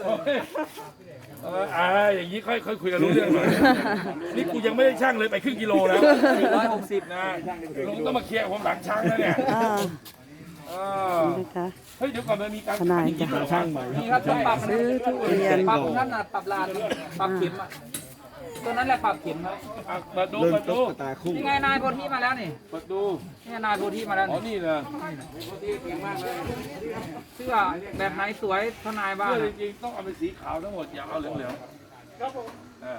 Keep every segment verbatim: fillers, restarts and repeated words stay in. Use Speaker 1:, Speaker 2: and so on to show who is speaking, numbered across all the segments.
Speaker 1: เอออ่าอย่างนี้ค่อยค่อยคุยกันรู้เรื่องหน่อยนี่กูยังไม่ได้ช่างเลยไปครึ่งกิโลแล้วสี่ร้อยหกสิบนะลุงต้องมาเคลียร์ผมหลังช่างแล้วเนี่ย
Speaker 2: นะคะ
Speaker 1: เฮ้ยเดี๋ยวก่อนมันมีการ
Speaker 2: ทนายจะหาช่าง
Speaker 3: นี่ครับต้องปรับ
Speaker 2: ซื้อทุเรียน
Speaker 3: ปรับนั่นน่ะปรับลานปรับเข็มอ่ะตัวนั้นแหละปรับเข็มครับ
Speaker 1: เปิดดูเปิดดู
Speaker 3: นี่ไงนายโพธิมาแล้วนี่
Speaker 1: เปิดดู
Speaker 3: นี่นายโพธิมาแล้ว
Speaker 1: อ๋อนี่นะ
Speaker 3: เสื้อแบบไหนสวยทนายบ้าง
Speaker 1: เสื้อจริงๆต้องเอาเป็นสีขาวทั้งหมดอย่าเอาเหลืองๆครับผม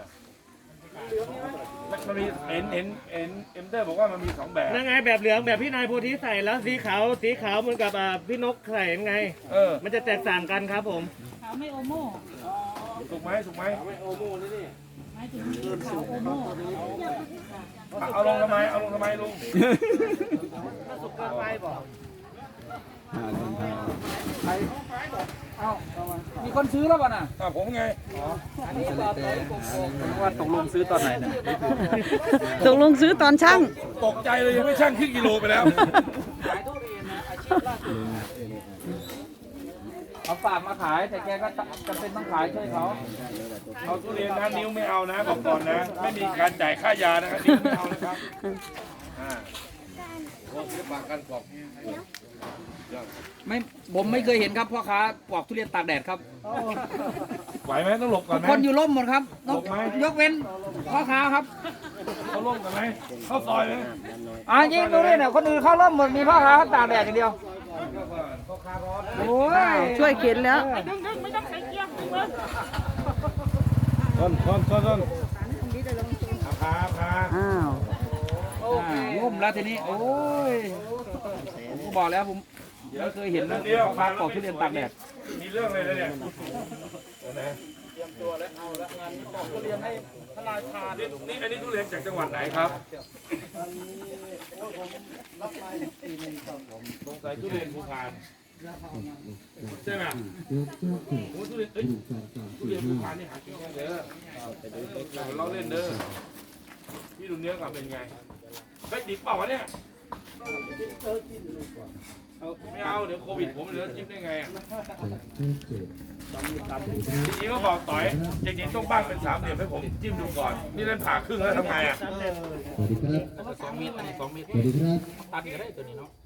Speaker 1: มันมีเอ็นเอ็นเอ็นเอ็มเตอร์บอกว่ามันมีสองแบบ
Speaker 4: นั่นไงแบบเหลืองแบบพี่นายโพธิใส่แล้วสีขาวสีขาวเหมือนกับอ่าพี่นกใส่ยังไง
Speaker 1: เออ
Speaker 4: มันจะแตกต่างกันครับผม
Speaker 5: ขาวไม่โอโม่
Speaker 1: ถูกไหมถูกไหม
Speaker 5: หมายถึงขาวโอโม่
Speaker 1: เอาลงทำไมเอาลงทำไมลุง
Speaker 3: เอ้ามีคนซื้อแล้วป่ะน่ะ
Speaker 1: อ่ะผมไง
Speaker 3: อันนี้ต่อต่อว่าตกลงซื้อตอนไหนเนี่ย
Speaker 2: ตกลงซื้อตอนช่าง
Speaker 1: ตกใจเลยยังไม่ช่างครึ่งกิโลไปแล้ว
Speaker 3: ขายทุเรียนนะอาชีพล่าสุดเอาฝากมาขายแต่แกก็จำเป็นต้องขายช่วยเขา
Speaker 1: เอาทุเรียนนะนิ้วไม่เอานะบอกก่อนนะ ไม่มีการจ่ายค่ายานะครับนิ้วไม่เอานะครับอ่าโอ้ยปากกันปอก
Speaker 3: ไม่ผมไม่เคยเห็นครับพ่อค้าปอกทุเรียนตากแดดครับ
Speaker 1: ไหวไหมต้องหลบก่อนไหม
Speaker 3: คนอยู่ร่มหมดครับ
Speaker 1: หลบไหม
Speaker 3: ยกเว้นพ่อค้าครับ
Speaker 1: เขาล่มกันไหมเข้าซอยไหม
Speaker 3: อ่ะยิงดูดิเนี่ยคนอื่นเข้าร่มหมดมีพ่อค้าตากแดดอย่างเดียวโอ้ย
Speaker 2: ช่วยเข็นแล้ว
Speaker 1: ต้นต้นต้นต้นครับครับ
Speaker 2: อ้าว
Speaker 3: อ่าร่มแล้วทีนี้โอ้ยผมก็บอกแล้วผมไม่เคยเห็นนะพ่อค้าปอกทุเรียนตากแดด
Speaker 1: มีเรื่องอะไรเลยเนี่ยนี่อันนี้ทุเรียนจากจังหวัดไหนครับสงสัยทุเรียนภูพานใช่ไหมโอ้ทุเรียนเอ้ยทุเรียนภูพานนี่หากินยากเด้อเราเล่นเด้อพี่ดูเนื้อก่อนเป็นไงเฮ้ยดิบเปล่าวะเนี่ยไม่เอาเดี๋ยวโควิดผมเหลือจิ้มได้ไงอ่ะจริงๆก็บอกต่อยจริงๆต้องบ้างเป็นสามเหลี่ยมให้ผมจิ้มดูก่อนนี่เล่นผ่าครึ่งแล้วทำไงอ่ะ
Speaker 6: สวัสดีครับ
Speaker 3: สองเมตรอันนี้สองเมตร
Speaker 6: สวัสดีครับ
Speaker 3: ตัดก็ได้ตัวนี้เนาะ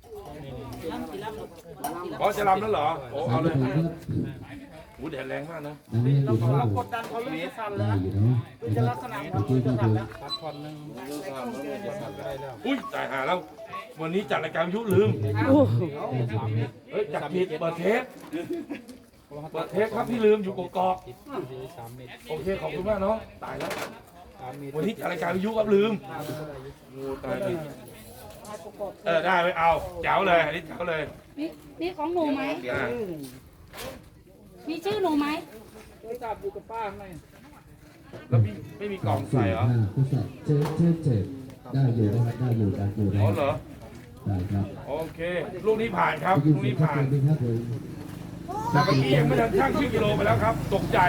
Speaker 1: อ๋อจะรำแล้วเหรอโอ้เอาเลย
Speaker 6: ครับ
Speaker 1: หูแดดแรงมากนะ
Speaker 6: อันนี้อยู่ครับผม
Speaker 4: ดันเขาเริ่มสั่น
Speaker 6: ได้
Speaker 4: แล้ว
Speaker 6: อยู่เนาะ
Speaker 4: จะลักษณะ
Speaker 6: เมื่อกี้ก็อยู่
Speaker 3: ตัดทอนหนึ่ง
Speaker 1: อุ้ยตายหาแล้ว วันนี้จัดรายการยุลืม
Speaker 2: โอ้
Speaker 1: เฮ้ยจัดผิดเปิดเทปเปิดเทปครับพี่ลืมอยู่กกอกโอเคขอบคุณมากน้องตายแล้ววันนี้จัดรายการยุครับลืมงูตายดิเออได้ไม่เอาเจ๋วเลยอันนี้เจ๋วเลย
Speaker 5: นี่นี่ของหนูไหม
Speaker 1: อ่า
Speaker 5: มีชื่อหนูไหม
Speaker 3: จับอยู่กับป้าข้างใน
Speaker 1: แล้วพี่ไม่มีกล่องใส่เหรอ
Speaker 6: ห้าผู้ใส่เจ็ดเจ็ดเจ็ดได้อยู่นะครับได้อยู่ได้อยู่ได้
Speaker 1: อ๋อเหรอ
Speaker 6: ได้ครับ
Speaker 1: โอเคลูกนี้ผ่านครับ
Speaker 6: ยิน
Speaker 1: ลูก
Speaker 6: ดี
Speaker 1: นี้
Speaker 6: ครับ
Speaker 1: ผ่าน
Speaker 6: สวัสดีครับผม
Speaker 1: แต่เมื่อกี้ยังไม่ทันช่างครึ่งกิโลไปแล้วครับ ตกใจ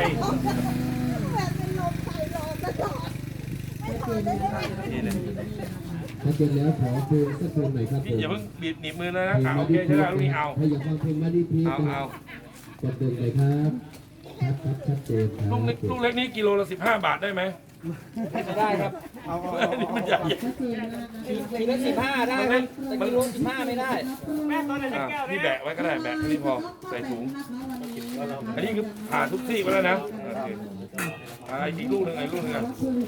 Speaker 1: นี่เลย
Speaker 6: ถ้าเจอแล้วขอเพลงสักเพลงหน่อยครับผ
Speaker 1: พี่
Speaker 6: ม
Speaker 1: อย่าเพิ่งบีบหนีบมือเลยนะอ่าโอเคใช่ไหมลูกนี้เอา
Speaker 6: ถ้าอยากฟังเพลงมาดีพี
Speaker 1: เอาเอา
Speaker 6: กดเดินเลยครับชัดครับชัดเจนครับ
Speaker 1: ลูกเล็กลูกเล็กนี้กิโลละสิบห้าบาทได้ไหม
Speaker 3: ได้ครับ
Speaker 1: อันนี้มันใหญ่
Speaker 3: ทีละสิบห้าได้ครับแต่กิโลสิบห้าไม่ได้
Speaker 1: อ่ะพี่แบะไว้ก็ได้แบะอันนี้พอใส่ถุง อันนี้คือผ่าทุกที่ไปแล้วนะโอเคอ่าอีกลูกหนึ่งไอ้ลูกหนึ่งอ่ะ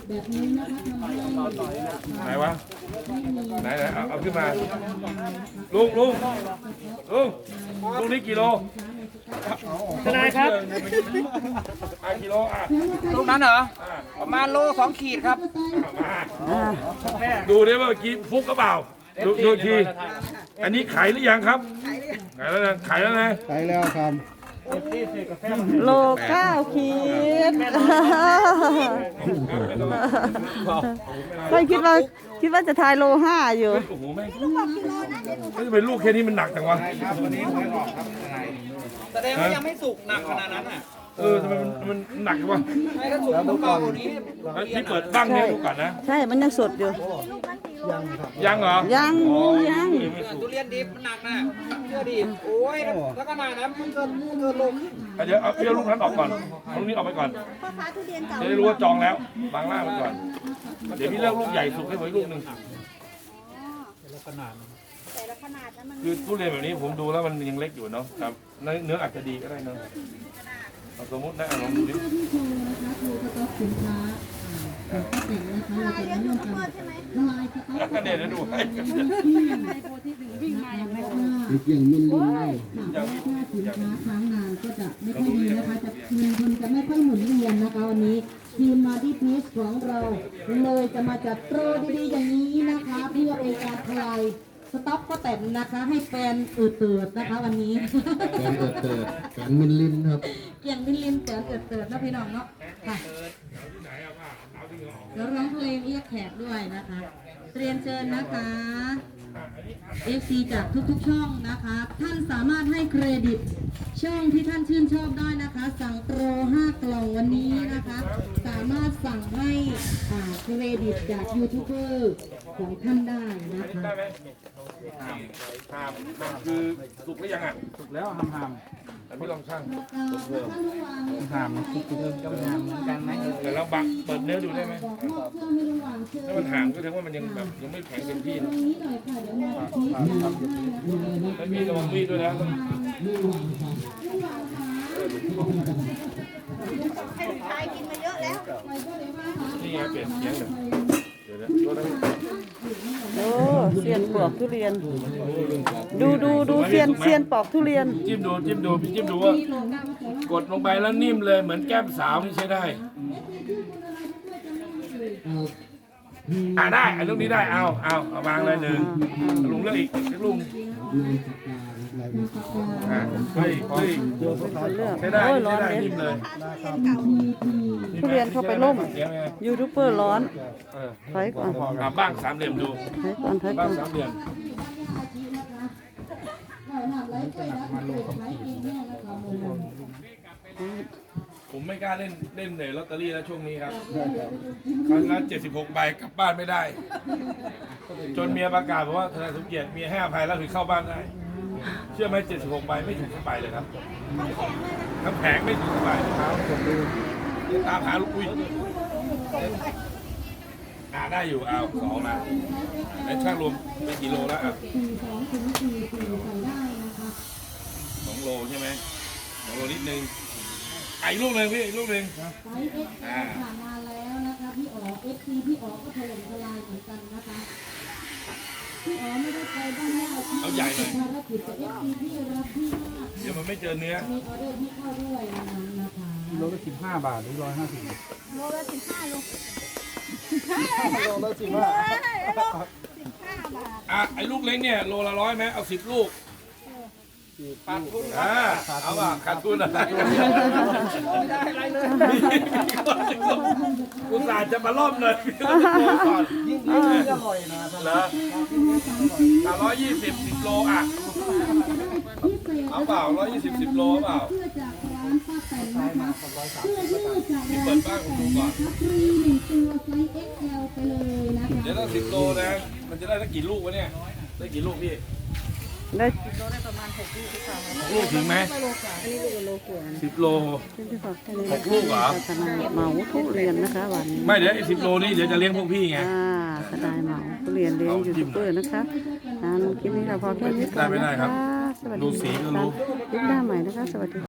Speaker 1: ไหนวะไหนไหนเอาเอาขึ้นมาลุงลุงลุงลูกนี้กิโล
Speaker 4: ทนายครับ
Speaker 1: อ่ะกิโลอ่ะ
Speaker 3: ลูกนั้นเหรอ
Speaker 1: อ่ะ
Speaker 3: ประมาณโลสองขีดครับ
Speaker 1: มาดูดิว่าเมื่อกี้ฟุกกระเปล่าดูดูอีกทีอันนี้ขายหรือยังครับขายแล้วนะขายแล้วนะ
Speaker 6: ไปแล้วครับ
Speaker 2: โลเก้าขีดไม่คิดว่าคิดว่าจะทายโลห้าอยู่
Speaker 1: โอ้โหแม่งไม่เป็นลูกแค่นี้มันหนักจังวะ
Speaker 3: แสดงว่ายังไม่สุกหนักขนาดนั้นอ่ะ
Speaker 1: เออทำไมมันมันหนักจังวะ
Speaker 3: ให้ถ้าสุกต้องเบากว่านี้
Speaker 1: นี่เปิดบ้างเนี่ยดูก่อนนะ
Speaker 2: ใช่มันยังสดอยู่
Speaker 5: ลูกนั้นกี่โล
Speaker 1: ยังเหรอ
Speaker 2: ยัง
Speaker 1: อ๋อ
Speaker 2: ยัง
Speaker 3: ทุเรียนดิบมันหนักนะเชื่อดิโอ้ยแล้วก็หนานะมันเกินเกินลง
Speaker 1: เดี๋ยวเอาเปรี้ยวลูกนั้นออกก่อนลูกนี้ออกไปก่อน
Speaker 2: พ่อค้าทุเรียนเก่า
Speaker 1: จะได้รู้ว่าจองแล้วบางล่างไปก่อน เดี๋ยวพี่เลือกลูกใหญ่สุดให้ผมอีกลูกหนึ่ง
Speaker 2: แต่ละขนาดนั้นมัน
Speaker 1: คือทุเรียนแบบนี้ผมดูแล้วมันยังเล็กอยู่เนาะครับเนื้อเนื้ออาจจะดีก็ได้เนาะเอาสมมตินะเอาลองดูดิ ก็เดี๋ยวจะดูให้
Speaker 5: วิ่งมาอย่างไร
Speaker 6: อย่างมิลลินได้
Speaker 1: อย่าง
Speaker 7: ถ้าสินค้าค้างนานก็จะไม่ค่อยดีนะคะจะเงินทุนจะไม่ค่อยหมุนเวียนนะคะวันนี้ทีมมาดีพีชของเราเลยจะมาจัดโปรดีๆอย่างนี้นะคะเพื่อเป็นการคลายสต็อกก็แต่นะคะ ให้แฟนอืดเตือดนะคะวันนี้
Speaker 6: การเกิดเกิดการมิลลินครับ
Speaker 7: เกี่ยงบินลินแฟนอืดเตือดนะพี่น้องเนาะค่ะแล้วร้องเพลงเรียกแขกด้วยนะคะเรียนเชิญนะคะ เอฟ ซี จากทุกๆช่องนะคะ ท่านสามารถให้เครดิตช่องที่ท่านชื่นชอบได้นะคะ สั่งโปรห้ากล่องวันนี้นะคะ สามารถสั่งให้อ่าเครดิตจากยูทูบเบอร์ของท่านได้นะคะ
Speaker 1: ได้ไหมหามหามหามคือสุกหรือยังอ่ะ
Speaker 3: ถูกแล้วหำห
Speaker 1: แต่พี่ลองช่าง
Speaker 7: แล้วก็ท่านลุงวาง
Speaker 3: ำหำคิดถึงก็หำเหมือนกันไหม
Speaker 1: เดี๋ยวเราบังเปิดเนื้อดูได้ไหม
Speaker 7: บอกมอบเครื่องให้ลุงวางเชิญ
Speaker 1: ถ้ามันห่างก็แสดงว่ามันยังแบบยังไม่แข็งเต็มที่
Speaker 7: ตร
Speaker 1: นะ
Speaker 7: งนี้หน่อยค่ะเดี๋ยวมอบชีสให้นะคะ
Speaker 1: แล้วพี่ระวังมีดด้วยนะ
Speaker 7: ลุงวางค่ะ
Speaker 2: ให้ลูกชายกินมาเยอะแล้ว
Speaker 7: ไปก็เลยว่าค่ะ
Speaker 1: นี่ไงเปลี่ยนเสียงเลยเดี๋ยวนะตัวนั้น
Speaker 2: โอ้เซียนปอกทุเรียน ดูดูดูเซียนเซียนปอกทุเรียน
Speaker 1: จิ้มดูจิ้มดูพี่จิ้มดูว่ากดลงไปแล้วนิ่มเลยเหมือนแก้มสาวนี่ใช้ได้อ่าได้ไอ้ลูกนี้ได้เอาเอาเอาวางเลยหนึ่งลุงเลือกอีกสักลุงอ่าเฮ้ยเฮ้ย
Speaker 2: คนเลือก
Speaker 1: ใช้ได้
Speaker 2: โอ้ยร้
Speaker 1: ใช้
Speaker 2: อน
Speaker 1: ได้
Speaker 2: เลย
Speaker 1: นิ่มเลย
Speaker 2: ทุเรียนเข้าไปล่ม
Speaker 1: เสียงไง
Speaker 2: ยูทูบเบอร์ร้อน
Speaker 1: เออ
Speaker 2: ถอยก่อน
Speaker 1: อ่าบ้างสามเหลี่ยมดู
Speaker 2: ถอยก่อนถอยก่
Speaker 1: บ้า
Speaker 2: อง น
Speaker 1: สามเหลี่ยม ผมไม่กล้าเล่นเล่นเลยลอตเตอรี่แล้วช่วงนี้ครับครั้งละเจ็ดสิบหกใบกลับบ้านไม่ได้ จนเมียประกาศบอกว่าทนายสมเกียรติเมียให้อภัยแล้วถึงเข้าบ้านได้ เชื่อไหมเจ็ดสิบหกใบไม่ถูกสักใบเลยครับทั้งแผงไม่ถูกสักใบครับตามหาลูกอุ้ยอ่าได้อยู่เอาสองนะไอ้ช่างรวมเป็นกี่โลแล้วอ่ะสองโลใช่ไหมสองโลนิดนึงไอ้ลูกหนึ่งพี่อีกลูกหนึ่ง
Speaker 7: ไซส์เอ็กซ์ผ่านมาแล้วนะคะพี่อ๋อเอฟซีพี่อ๋อก็ถล่มทลายเหมือนกันนะคะพี่อ๋อไม่ได้ไปบ้านแม่เราที่
Speaker 1: เอาใหญ่หน่อย
Speaker 7: ภารกิจกับเอฟซีพี่รักพี่มาก
Speaker 1: เดี๋ยวมันไม่เจอเนื้อ
Speaker 7: มีออเดอร์ที่เข้าด้วยนะคะนะคะ
Speaker 3: โลละสิบห้าบาทหรือร้อยห้าสิบ
Speaker 2: โลละสิบห้าโล
Speaker 1: อ่ะไอ้ลูกเล็กเนี่ยโลละร้อยไหมเอาสิบลูกขาดทุนอ่าเอาป่ะขาดทุนอะไรไม่ได้อะไรเลยอุตส่าห์จะมาล่อมเลยพี่ต้องโทรก่อนยิ่งยิ่งอร่อยนะเหรอสามร้อยยี่สิบสิบโลอ่ะเอาเปล่าร้อยยี่สิบสิบโลเปล่า
Speaker 7: เพื่อจากร้านป้าแตนนะคะเพื่อยืดจาก
Speaker 1: พี่
Speaker 7: ร้าน
Speaker 1: เปิดบ้านผมดูก่อน
Speaker 7: ฟรีหนึ่งตัวไซส์ เอ็กซ์ แอล ไปเลยนะคะ
Speaker 1: เดี๋ยวต้องสิบโลนะมันจะได้สักกี่ลูกวะเนี่ยได้กี่ลูกพี่
Speaker 2: ได้
Speaker 1: ลูกถึงไหมสิบโล
Speaker 2: ที่ฝากแค่นี้
Speaker 1: หกลูกเหรอ
Speaker 2: ทนายเหมาทุเรียนนะคะวันนี้
Speaker 1: ไม่เดี๋ยวไอ้สิบโลนี่เดี๋ยวจะเลี้ยงพวกพี่ไง
Speaker 2: อ่าทนายเหมาทุเรียนเลี้ยงยูทูบเบอร์นะคะอ่าคลิปนี้เราพอแค่นี้ก่อน
Speaker 1: ได้ไม่ได้
Speaker 2: นะ
Speaker 1: ครั
Speaker 2: คะ
Speaker 1: บ
Speaker 2: สวัส
Speaker 1: ดู
Speaker 2: ดี
Speaker 1: สีก็
Speaker 2: ค่ะ
Speaker 1: รู้
Speaker 2: คลิปหน้าใหม่นะคะ สวัสดี